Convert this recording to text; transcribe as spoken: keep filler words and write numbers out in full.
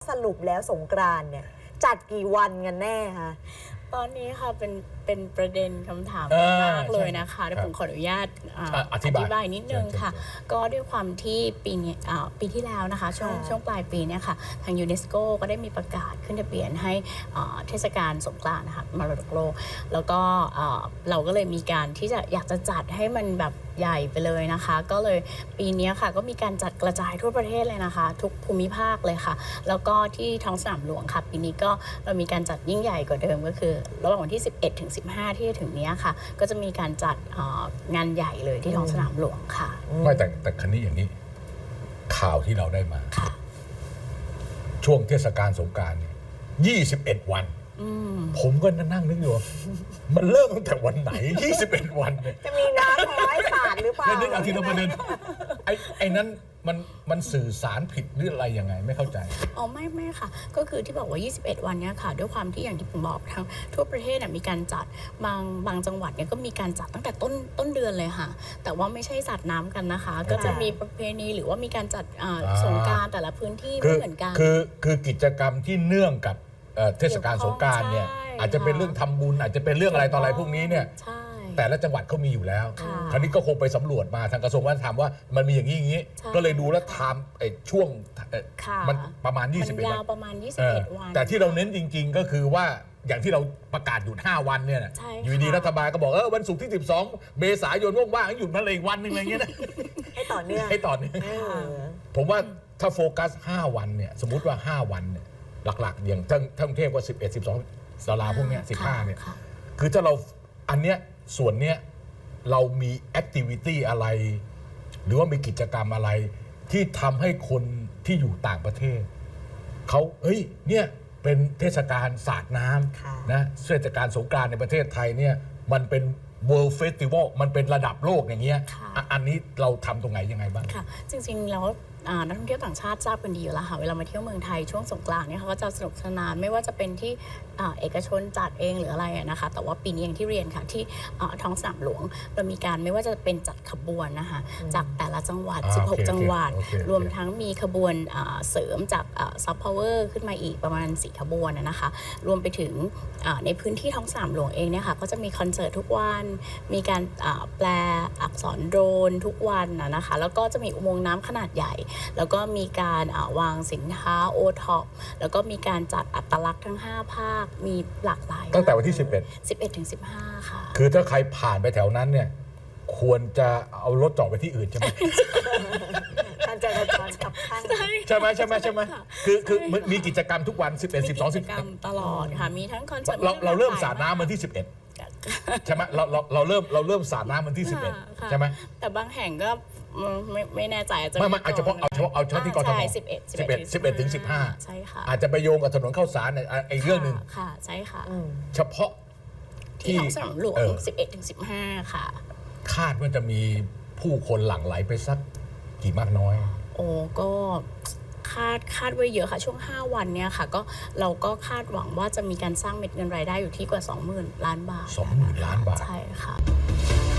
สรุปแล้วสงกรานต์เนี่ยจัดกี่วันกันแน่คะตอนนี้ค่ะเป็นเป็นประเด็นคำถามมากเลยนะคะเดี๋ยวผมขออนุญาตอธิบายนิดนึงค่ะก็ด้วยความที่ปีนี้ปีที่แล้วนะคะช่วงช่วงปลายปีเนี่ยค่ะทางยูเนสโกก็ได้มีประกาศขึ้นทะเบียนให้เทศกาลสงกรานต์นะคะมรดกโลกแล้วก็เราก็เลยมีการที่จะอยากจะจัดให้มันแบบใหญ่ไปเลยนะคะก็เลยปีนี้ค่ะก็มีการจัดกระจายทั่วประเทศเลยนะคะทุกภูมิภาคเลยค่ะแล้วก็ที่ท้องสนามหลวงค่ะปีนี้ก็เรามีการจัดยิ่งใหญ่กว่าเดิมก็คือระหว่างวันที่สิบเอ็ดถึงสิบห้าที่จะถึงนี้ค่ะก็จะมีการจัดงานใหญ่เลยที่ท้องสนามหลวงค่ะไม่แต่แต่ครั้นี้อย่างนี้ข่าวที่เราได้มาช่วงเทศกาลสงกรานต์เนี่ยยี่สิบเอ็ดวันผมก็นั่งนึกอยู่มันเริ่มตั้งแต่วันไหนยี่สิบเอ็ดวันเนี่ยจะมีน้ำร้อยสาดหรือเปล่านึกเอาทีละประเด็นไอ้ไอ้นั้นมันมันสื่อสารผิดหรืออะไรยังไงไม่เข้าใจอ๋อไม่ไม่ค่ะก็คือที่บอกว่ายี่สิบเอ็ดวันนี้ค่ะด้วยความที่อย่างที่ผมบอกทั้งทั่วประเทศมีการจัดบางบางจังหวัดเนี่ยก็มีการจัดตั้งแต่ต้นต้นเดือนเลยค่ะแต่ว่าไม่ใช่สาดน้ำกันนะคะก็จะมีประเพณีหรือว่ามีการจัดสงกรานต์แต่ละพื้นที่ไม่เหมือนกันคือคือกิจกรรมที่เนื่องกับเทศกาลสงกรานต์เนี่ยอาจจะเป็นเรื่องทำบุญอาจจะเป็นเรื่องอะไรต่ออะไรพวกนี้เนี่ยแต่ละจังหวัดเขามีอยู่แล้วคราวนี้ก็คงไปสำรวจมาทางกระทรวงวัฒนธรรมว่ามันมีอย่างนี้อย่างนี้ก็เลยดูแล้วไทม์ช่วงมันประมาณยี่สิบเอ็ดวันประมาณยี่สิบเอ็ดวันแต่ที่เราเน้นจริงๆก็คือว่าอย่างที่เราประกาศหยุดห้าวันเนี่ยอยู่ดีรัฐบาลก็บอกเออวันศุกร์ที่สิบสองเมษายนว่างๆหยุดมาเลยอีกวันนึงอะไรเงี้ยนะให้ต่อเนื่องให้ต่อเนื่องผมว่าถ้าโฟกัสห้าวันเนี่ยสมมุติว่าห้าวันเนี่ยหลักๆอย่างทั้งทั้งเทพว่าสิบเอ็ด สิบสองสาราพวกเนี้ยสิบห้าเนี่ยคือถ้าเราอันเนี้ยส่วนเนี้ยเรามีแอคทิวิตี้อะไรหรือว่ามีกิจกรรมอะไรที่ทำให้คนที่อยู่ต่างประเทศเขาเฮ้ยเนี่ยเป็นเทศกาลสาดน้ำนะเทศกาลสงกรานต์ในประเทศไทยเนี่ยมันเป็น World Festival มันเป็นระดับโลกอย่างเงี้ยอันนี้เราทำตรงไหนยังไงบ้างค่ะจริงๆแล้วนักท่องเที่ยวต่างชาติทราบกันดีอยู่แล้วค่ะเวลามาเที่ยวเมืองไทยช่วงสงกรานต์เนี่ยเขาก็จะสนุกสนานไม่ว่าจะเป็นที่เอกชนจัดเองหรืออะไรนะคะแต่ว่าปีนี้อย่างที่เรียนค่ะที่ท้องสนามหลวงเรามีการไม่ว่าจะเป็นจัดขบวนนะคะจากแต่ละจังหวัดสิบหกจังหวัดรวมทั้งมีขบวนเสริมจากซับพาวเวอร์ขึ้นมาอีกประมาณสี่ขบวนนะคะรวมไปถึงในพื้นที่ท้องสนามหลวงเองเนี่ยค่ะก็จะมีคอนเสิร์ตทุกวันมีการแปลอักษรโดรนทุกวันนะคะแล้วก็จะมีอุโมงค์น้ำขนาดใหญ่แล้วก็มีการวางสินค้าโอท็อปแล้วก็มีการจัดอัตลักษณ์ทั้งห้าภาคมีหลากหลายตั้งแต่วันที่สิบเอ็ดสิบเอ็ดถึงสิบห้าค่ะคือถ้าใครผ่านไปแถวนั้นเนี่ยควรจะเอารถจอดไปที่อื่นใช่ไหมการจราจรขับข้างใช่ไหมใช่ไหมใช่ไหมคือคือมีกิจกรรมทุกวันสิบเอ็ด สิบสอง สิบกรรมตลอดค่ะมีทั้งคอนเสิร์ตเราเราเริ่มสาดน้ำวันที่สิบเอ็ดใช่ไหมเราเราเราเริ่มเราเริ่มสาดน้ำวันที่สิบเอ็ดใช่ไหมแต่บางแห่งก็ไม่ไม่แน่ใจอาจจะไม่ไม่อาจจะเพราะเอาเฉพาะเอาเฉพาะที่กทมสิบเอ็ดสิบเอ็ดสิบเอ็ดถึงสิบห้าใช่ค่ะอาจจะไปโยงกับถนนข้าวสารไอ้เรื่องหนึ่งค่ะใช่ค่ะเฉพาะที่ท้องสนามหลวงสิบเอ็ดถึงสิบห้าค่ะคาดว่าจะมีผู้คนหลั่งไหลไปสักกี่มากน้อยโอ้ก็คาดคาดไว้เยอะค่ะช่วงห้าวันเนี้ยค่ะก็เราก็คาดหวังว่าจะมีการสร้างเม็ดเงินรายได้อยู่ที่กว่า สองหมื่น ล้านบาทสองหมื่น ล้านบาทใช่ค่ะ